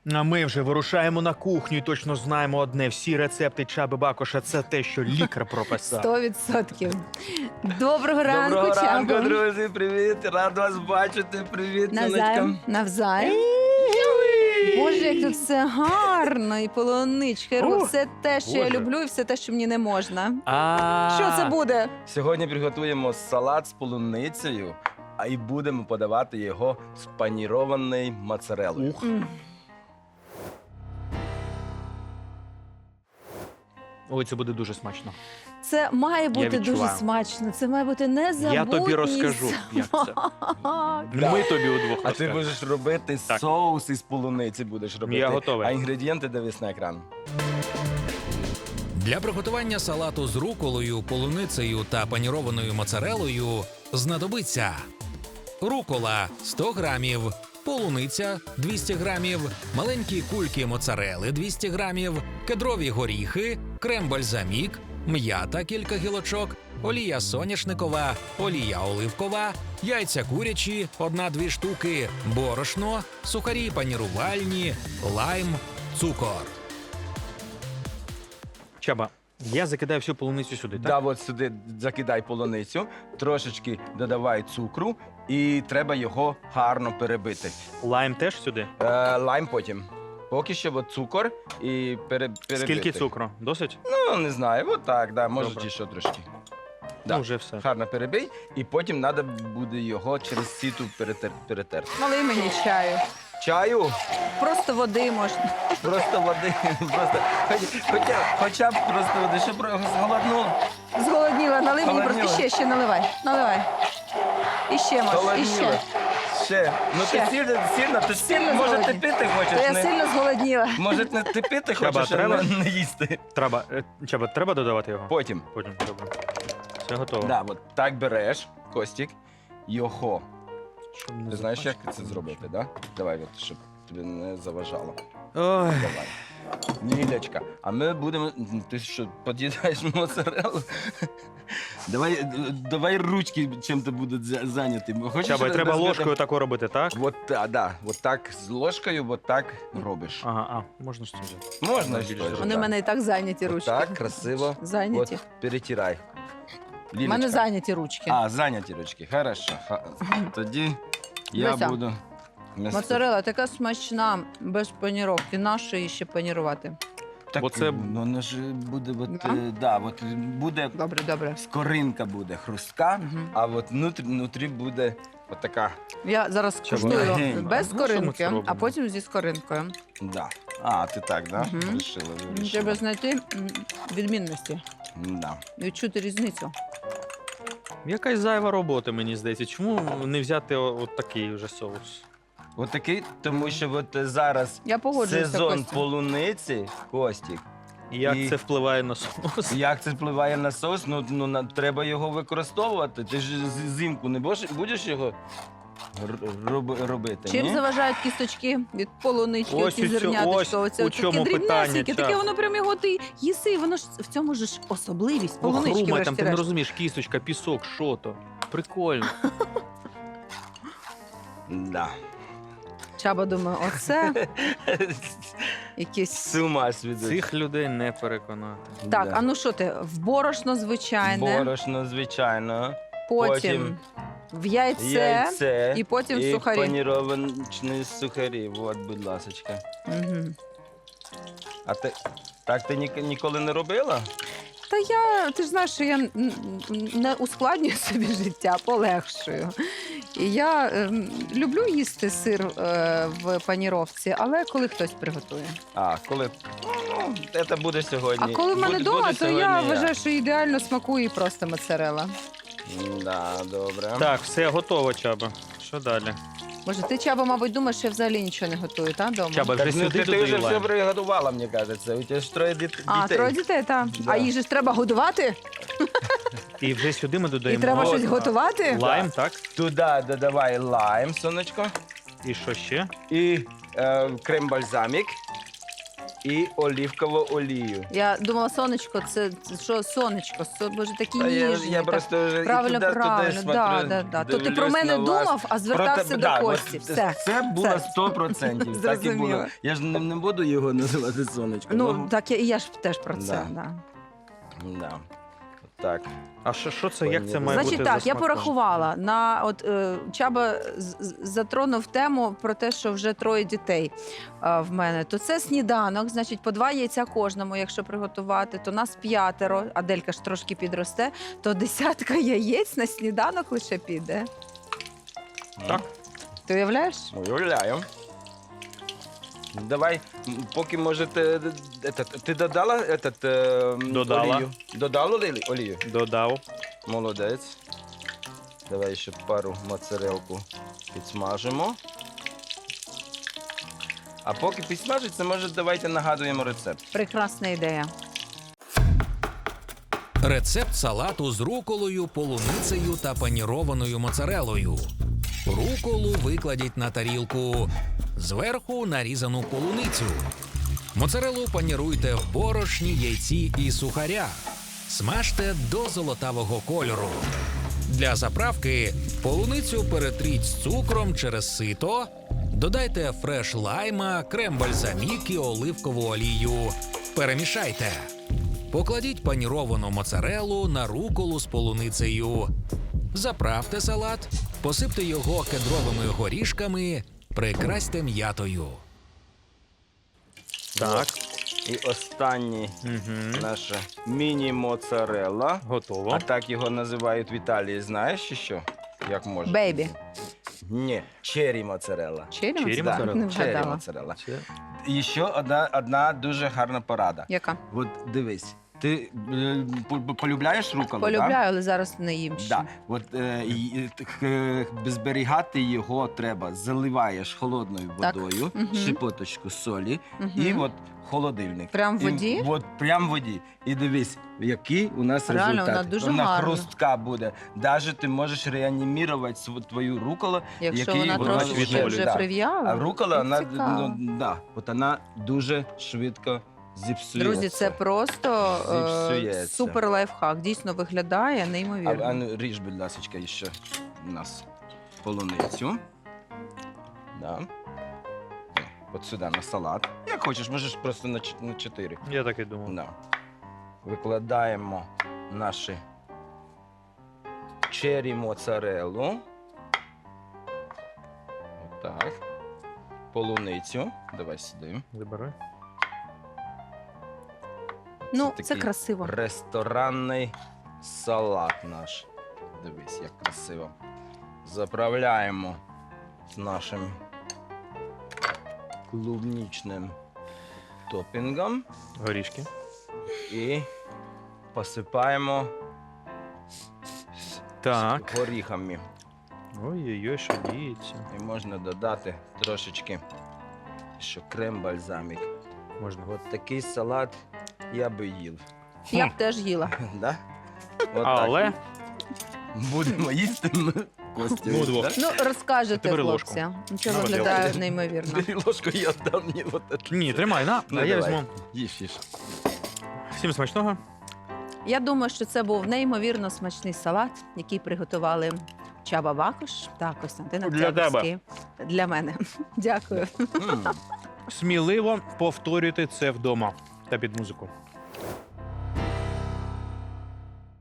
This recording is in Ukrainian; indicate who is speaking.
Speaker 1: А ми вже вирушаємо на кухню і точно знаємо одне. Всі рецепти Чаби Бакоша – це те, що лікар прописав.
Speaker 2: 100%. Доброго ранку,
Speaker 3: Доброго ранку,
Speaker 2: Чабо.
Speaker 3: друзі, привіт, рад вас бачити, привіт,
Speaker 2: Навзаєм. Навзаєм. Боже, як тут все гарно, і полуничка, і
Speaker 1: Ух,
Speaker 2: все те, що я
Speaker 1: Боже.
Speaker 2: люблю, і все те, що мені не можна.
Speaker 1: А
Speaker 2: Що це буде?
Speaker 3: Сьогодні приготуємо салат з полуницею, а і будемо подавати його з панірованою моцарелою.
Speaker 1: Ух.
Speaker 2: М.
Speaker 1: Ой, це буде дуже смачно.
Speaker 2: Це має бути дуже
Speaker 1: відчуваю.
Speaker 2: смачно, це має бути незабутній
Speaker 1: Я тобі розкажу, як це.
Speaker 2: смак.
Speaker 1: Ми тобі удвох
Speaker 3: А ти
Speaker 1: розкажемо.
Speaker 3: будеш робити
Speaker 1: Так.
Speaker 3: соус із полуниці, будеш робити.
Speaker 1: Я готовий.
Speaker 3: А інгредієнти дивись на екран.
Speaker 4: Для приготування салату з руколою, полуницею та панірованою моцарелою знадобиться рукола 100 грамів, полуниця 200 грамів, маленькі кульки моцарели 200 грамів, кедрові горіхи, крем-бальзамік, м'ята кілька гілочок, олія соняшникова, олія оливкова, яйця курячі 1-2 штуки, борошно, сухарі панірувальні, лайм, цукор.
Speaker 1: Чаба, я закидаю всю полуницю сюди, так?
Speaker 3: Да, от сюди закидай полуницю, трошечки додавай цукру і треба його гарно перебити.
Speaker 1: Лайм теж сюди?
Speaker 3: Лайм потім. Поки що от цукор і перебити.
Speaker 1: Скільки цукру? Досить?
Speaker 3: Ну, не знаю, от так, да, може
Speaker 1: Добре.
Speaker 3: ще трошки.
Speaker 1: Ну, вже все.
Speaker 3: Гарно перебий, і потім треба буде його через сіту перетерти.
Speaker 2: Налий мені чаю.
Speaker 3: Чаю,
Speaker 2: Просто води можна.
Speaker 3: просто води, просто, хоча б просто води, щоб зголоднуло.
Speaker 2: Зголодніла, налий мені
Speaker 3: Зголодніла.
Speaker 2: просто ще наливай. Наливай. І ще може, і
Speaker 3: Зголодніла.
Speaker 2: ще.
Speaker 3: Ще. Ну
Speaker 2: Ще.
Speaker 3: ти сильно, ти
Speaker 2: Сильно
Speaker 3: може ти
Speaker 2: зголодні.
Speaker 3: пити
Speaker 2: То
Speaker 3: хочеш?
Speaker 2: я
Speaker 3: Не,
Speaker 2: сильно зголодніла.
Speaker 3: може не ти пити
Speaker 1: Чаба,
Speaker 3: хочеш, а
Speaker 1: треба?
Speaker 3: не їсти.
Speaker 1: Чаба, треба додавати його?
Speaker 3: Потім.
Speaker 1: Потім, добре. Все готово.
Speaker 3: Да, от так береш, Костік, його.
Speaker 1: Щоб не
Speaker 3: Ти знаєш, як
Speaker 1: запачкати
Speaker 3: це зробити, да? Давай, от, щоб тобі не заважало.
Speaker 1: Ой.
Speaker 3: Давай. Лілечка, а ми будемо. Ти що, під'їдаєш моцарелу? Давай ручки чим-то будуть зайняті. Хочеш
Speaker 1: Чаба, треба
Speaker 3: розбити?
Speaker 1: ложкою тако робити, так?
Speaker 3: От так з ложкою, от так робиш.
Speaker 1: Ага, можна ж це взяти.
Speaker 3: Можна
Speaker 1: Більше
Speaker 3: ж
Speaker 1: зробити.
Speaker 2: Вони в мене і так зайняті ручки.
Speaker 3: Так, красиво.
Speaker 2: Зайняті.
Speaker 3: От, перетирай.
Speaker 2: У мене
Speaker 3: Лілечка.
Speaker 2: зайняті ручки.
Speaker 3: А, зайняті ручки. Хорошо. Тоді я
Speaker 2: Дивися.
Speaker 3: буду.
Speaker 2: Моцарела така смачна, без паніровки. Нащо її ще панірувати?
Speaker 3: Так,
Speaker 1: Бо це-
Speaker 3: ну, воно ж буде,
Speaker 2: Да?
Speaker 3: от буде
Speaker 2: Добре, добре.
Speaker 3: скоринка буде хрустка,
Speaker 2: Мгм.
Speaker 3: а от внутрі буде отака.
Speaker 2: Я зараз
Speaker 1: Чого?
Speaker 2: куштую
Speaker 3: Легенько.
Speaker 2: без
Speaker 1: Ну, що ми це
Speaker 2: скоринки,
Speaker 1: робимо?
Speaker 2: а потім зі скоринкою.
Speaker 3: Да. А, ти так, да?
Speaker 2: Мгм.
Speaker 3: Вирішила.
Speaker 2: Треба знайти відмінності,
Speaker 3: Да.
Speaker 2: відчути різницю.
Speaker 1: Якась зайва робота, мені здається. Чому не взяти от такий вже соус?
Speaker 3: От такий, тому що от зараз
Speaker 2: Я погоджуюся,
Speaker 3: сезон
Speaker 2: Костя.
Speaker 3: полуниці, Костік.
Speaker 1: І як
Speaker 3: І-
Speaker 1: це впливає на соус?
Speaker 3: Як це впливає на соус? Треба його використовувати. Ти ж зимку не будеш його робити?
Speaker 2: Чим
Speaker 3: ні?
Speaker 2: заважають кісточки від полунички,
Speaker 1: Ось
Speaker 2: оці
Speaker 1: у цьо-
Speaker 2: зерняточка,
Speaker 1: ось
Speaker 2: оце
Speaker 1: у
Speaker 2: таке
Speaker 1: чому питання,
Speaker 2: дрібнесеньке, таке
Speaker 1: Чаб.
Speaker 2: воно прям його ти їси, воно ж в цьому ж особливість полунички,
Speaker 1: Хрума, там ти не
Speaker 2: врешті-решт.
Speaker 1: розумієш, кісточка, пісок, що то. Прикольно.
Speaker 3: Да.
Speaker 2: Чаба думає, оце якісь...
Speaker 3: З ума свідуть.
Speaker 1: Цих людей не переконати.
Speaker 2: Так,
Speaker 3: Да.
Speaker 2: а ну що ти, в борошно звичайне,
Speaker 3: Борошно, звичайно.
Speaker 2: потім в яйце, і потім
Speaker 3: і
Speaker 2: сухарі.
Speaker 3: паніровані сухарі. От, будь ласочка.
Speaker 2: Мгм.
Speaker 3: А ти так ти ніколи не робила?
Speaker 2: Та ти ж знаєш, що я не ускладнюю собі життя, полегшую. І я люблю їсти сир в паніровці, але коли хтось приготує.
Speaker 3: А, коли. Ну, це буде сьогодні.
Speaker 2: А коли в мене
Speaker 3: Буде
Speaker 2: вдома, то я
Speaker 3: сьогодні
Speaker 2: вважаю, що ідеально смакує просто моцарелла.
Speaker 3: Да, добре.
Speaker 1: Так, все готово, Чаба. Що далі?
Speaker 2: Боже, ти, Чаба, мабуть, думаєш, що я взагалі нічого не готую, так, вдома?
Speaker 1: Чаба, вже
Speaker 3: Так, ну,
Speaker 1: сюди
Speaker 3: ти вже
Speaker 1: додаю
Speaker 3: все
Speaker 1: лайм.
Speaker 3: приготувала, мені кажеться. У тебе ж троє дітей.
Speaker 2: А, троє дітей, так.
Speaker 3: Да.
Speaker 2: А їх же ж треба годувати?
Speaker 1: І вже сюди ми
Speaker 2: І
Speaker 1: додаємо
Speaker 2: треба
Speaker 3: от,
Speaker 2: щось
Speaker 3: а.
Speaker 2: готувати?
Speaker 1: лайм, так?
Speaker 3: Туди додавай лайм, сонечко.
Speaker 1: І що ще?
Speaker 3: І крем-бальзамік. і оливкову олію.
Speaker 2: Я думала, сонечко, це що сонечко? Боже, такі
Speaker 3: Та
Speaker 2: ніжні.
Speaker 3: я
Speaker 2: так.
Speaker 3: просто вже і
Speaker 2: Правильно,
Speaker 3: туди
Speaker 2: правильно.
Speaker 3: смотрю,
Speaker 2: Да. То ти про
Speaker 3: дивлюсь
Speaker 2: мене
Speaker 3: на вас.
Speaker 2: думав, а звертався до Кості. Все.
Speaker 3: Це було
Speaker 2: Все.
Speaker 3: 100%. Так і
Speaker 2: Зрозуміло.
Speaker 3: було. Я ж не буду його називати сонечко.
Speaker 2: Ну, так, я ж теж про це.
Speaker 3: Да.
Speaker 2: Да.
Speaker 3: Да. Так.
Speaker 1: А що це? Як це має
Speaker 2: Значить
Speaker 1: бути?
Speaker 2: так,
Speaker 1: за
Speaker 2: я
Speaker 1: смаком?
Speaker 2: порахувала. Чаба затронув тему про те, що вже 3 дітей в мене. То це сніданок, значить, по 2 яйця кожному, якщо приготувати, то нас 5, Аделька ж трошки підросте, то 10 яєць на сніданок лише піде.
Speaker 1: Так.
Speaker 2: Ти уявляєш?
Speaker 3: Уявляю. Давай, поки можете. Ти додала
Speaker 1: Додала.
Speaker 3: олію? Додала олію?
Speaker 1: Додав.
Speaker 3: Молодець. Давай ще пару моцарелку підсмажимо. А поки підсмажиться, може, давайте нагадуємо рецепт.
Speaker 2: Прекрасна ідея.
Speaker 4: Рецепт салату з руколою, полуницею та панірованою моцарелою. Руколу викладіть на тарілку. Зверху нарізану полуницю. Моцарелу паніруйте в борошні, яйці і сухарях. Смажте до золотавого кольору. Для заправки полуницю перетріть з цукром через сито. Додайте фреш лайма, крем-бальзамік і оливкову олію. Перемішайте. Покладіть паніровану моцарелу на руколу з полуницею. Заправте салат, посипте його кедровими горішками, прикрасьте м'ятою.
Speaker 1: Так.
Speaker 3: І останній
Speaker 1: Угу.
Speaker 3: наша міні-моцарелла.
Speaker 1: Готово.
Speaker 3: А так його називають в Італії. Знаєш ще що? Як може?
Speaker 2: Бейбі.
Speaker 3: Ні, чері моцарелла.
Speaker 2: Черрі
Speaker 1: Черрі
Speaker 2: моцарелла?
Speaker 1: моцарелла.
Speaker 2: Не
Speaker 3: Чері
Speaker 2: вгадала.
Speaker 3: моцарелла.
Speaker 1: Це-
Speaker 3: І ще одна дуже гарна порада.
Speaker 2: Яка?
Speaker 3: От дивись, ти полюбляєш руколу?
Speaker 2: Полюбляю, але зараз не їм ще.
Speaker 3: Да? От, зберігати його треба. Заливаєш холодною
Speaker 2: Так.
Speaker 3: водою,
Speaker 2: Мгм.
Speaker 3: щепоточку солі
Speaker 2: Мгм.
Speaker 3: і от холодильник.
Speaker 2: Прям в
Speaker 3: І
Speaker 2: воді?
Speaker 3: От прям в воді. І дивись, який у нас
Speaker 2: Реально,
Speaker 3: результат.
Speaker 2: вона дуже
Speaker 3: вона
Speaker 2: гарна.
Speaker 3: хрустка буде. Навіть ти можеш реанімувати твою руколу.
Speaker 2: Якщо
Speaker 3: який
Speaker 2: вона
Speaker 3: вона
Speaker 2: трошечки
Speaker 1: відновлює,
Speaker 2: вже
Speaker 3: да.
Speaker 2: прив'яла.
Speaker 3: А рукола, вона,
Speaker 2: цікаво.
Speaker 3: от вона дуже швидко зіпсується.
Speaker 2: Друзі, це просто
Speaker 3: Зіпсується.
Speaker 2: супер лайфхак. Дійсно виглядає
Speaker 3: А
Speaker 2: неймовірно.
Speaker 3: ну, ріж, будь ласка, ще у нас полуницю. Да. От сюди на салат. Як хочеш, можеш просто на 4.
Speaker 1: Я так і думав.
Speaker 3: Да. Викладаємо наші чері моцареллу. Отак. Полуницю. Давай сюди.
Speaker 1: Забирай.
Speaker 2: Ну,
Speaker 3: це
Speaker 2: це
Speaker 3: такий
Speaker 2: красиво.
Speaker 3: Ресторанний салат наш. Дивись, як красиво. Заправляємо з нашим клубнічним топінгом
Speaker 1: Горішки.
Speaker 3: і посипаємо
Speaker 1: Так.
Speaker 3: з горіхами.
Speaker 1: Ой-ой-ой, що діється.
Speaker 3: І можна додати трошечки ще крем-бальзамік.
Speaker 1: Можна.
Speaker 3: От такий салат я би їв.
Speaker 2: Я б теж їла.
Speaker 3: Да? От
Speaker 1: Але
Speaker 3: так. Будемо їсти ми Костю.
Speaker 1: Ну, двох.
Speaker 3: да?
Speaker 2: Ну, розкажете,
Speaker 1: Тепер ложку.
Speaker 2: хлопці. Це
Speaker 1: Ну,
Speaker 2: виглядає
Speaker 3: давай.
Speaker 2: неймовірно.
Speaker 3: Бери ложку, я дам мені от це.
Speaker 1: ні, тримай, на.
Speaker 3: Ну,
Speaker 1: А я
Speaker 3: давай.
Speaker 1: візьму.
Speaker 3: Їж.
Speaker 1: Всім смачного.
Speaker 2: Я думаю, що це був неймовірно смачний салат, який приготували Чаба Бакош та Костянтин
Speaker 1: Для
Speaker 2: Октябрьський. Для мене. Дякую.
Speaker 3: М.
Speaker 1: Сміливо повторюйте це вдома та під музику.